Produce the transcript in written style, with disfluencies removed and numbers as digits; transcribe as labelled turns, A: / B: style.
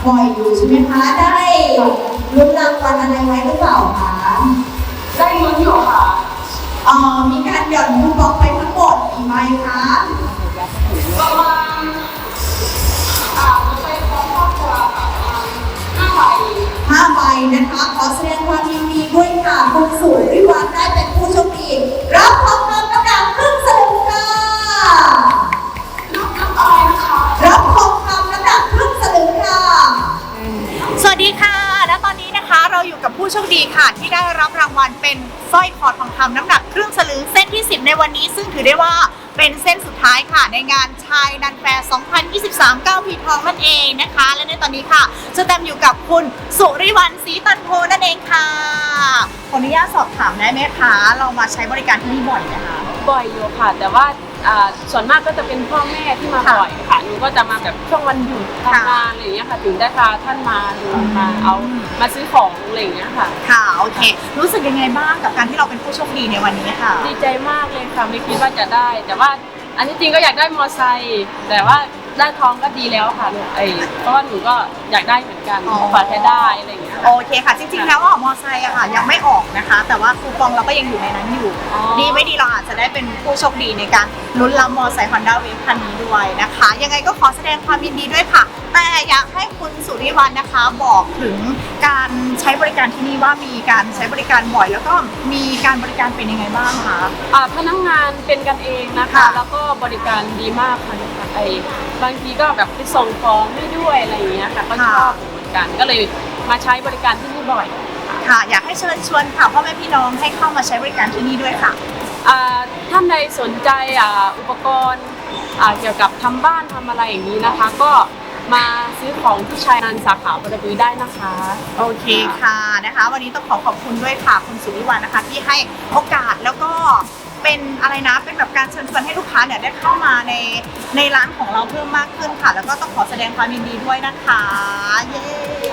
A: บ่อยอยู่ใช่ไหมคะได้ลุ้นรางวัลอะไรไว้หรือเปล่าคะ
B: ได้ลุ้นอยู่ค่ะ
A: มีการหย่อนคูปองไปทั้งหมดกี่ใบคะ
B: ประมาณไปพร้อมครอบครัวค่ะประมาณ
A: 5 ใบนะคะขอแสดงความยินดีด้วยค่ะคุณสุริวัฒน์ได้เป็นผู้โชคดีรับทองคำน้ำหนักครึ่งสลึงค่ะ
B: รับอะไรนะคะ
A: รับทองคำน้ำหนักครึ่งสลึงค่ะ
C: สวัสดีค่ะและตอนนี้นะคะเราอยู่กับผู้โชคดีค่ะที่ได้รับรางวัลเป็นสร้อยคอทองคำน้ำหนักครึ่งสลึงเส้นที่10ในวันนี้ซึ่งถือได้ว่าเป็นเส้นสุดท้ายค่ะในงานชายนันแฟร์ 2023 9 ปีทองนั่นเองนะคะและในตอนนี้ค่ะจะแตมอยู่กับคุณสุริวรรณศรีตันโพนั่นเองค่ะขออนุญาตสอบถามได้ไหมคะเรามาใช้บริการที่นี่บ่อยไหมคะ
B: บ่อยอยู่ค่ะแต่ว่าส่วนมากก็จะเป็นพ่อแม่ที่มาบ่อยค่ะหนูก็จะมาแบบช่วงวันหยุดทำงานอะไรอย่างเงี้ยค่ะถึงได้พาท่านมาดูมาซื้อของอะไรอย่างเงี้ยค่ะ
C: ค่ะโอเครู้สึกยังไงบ้างกับการที่เราเป็นผู้โชคดีในวันนี้ค่ะ
B: ดีใจมากเลยค่ะไม่คิดว่าจะได้แต่ว่าอันที่จริงก็อยากได้มอไซค์แต่ว่าได้ทองก็ดีแล้วค่ะเพราะว่าหนูก็อยากได้เหมือนกันฝากแค่ได้อะไรอย่างเงี้ย
C: โอเคค่ะจริงๆแล้วมอไซค์อะค่ะยังไม่ออกนะคะแต่ว่าคูปองเราก็ยังอยู่ในนั้นอยู่ดีไม่ดีเราอาจจะได้เป็นผู้โชคดีในการลุ้นรับมอไซค์ Honda Wave คันนี้ด้วยนะคะยังไงก็ขอแสดงความยินดีด้วยค่ะแต่อยากให้คุณสุริวรรณนะคะบอกถึงการใช้บริการที่นี่ว่ามีการใช้บริการบ่อยแล้วก็มีการบริการเป็นยังไงบ้างคะ
B: พนักงานเป็นกันเองนะคะแล้วก็บริการดีมากค่ะบางทีก็แบบไปส่งของให้ด้วยอะไรอย่างเงี้ยค่ะก็ชอบเหมือนกันก็เลยมาใช้บริการที่นี่บ่อย
C: ค่ะอยากให้เชิญชวนค่ะพ่อแม่พี่น้องให้เข้ามาใช้บริการที่นี่ด้วยค่ะ
B: ท่านใดสนใจอุปกรณ์เกี่ยวกับทำบ้านทำอะไรอย่างนี้นะคะก็มาซื้อของที่ชายนันสาขาบรบือได้นะคะ
C: โอเคค่ะนะคะวันนี้ต้องขอบคุณด้วยค่ะคุณสุริวรรณนะคะที่ให้โอกาสแล้วก็เป็นอะไรนะเป็นแบบการเชิญชวนให้ลูกค้าเนี่ยได้เข้ามาในร้านของเราเพิ่มมากขึ้นค่ะแล้วก็ต้องขอแสดงความยินดีด้วยนะคะเย้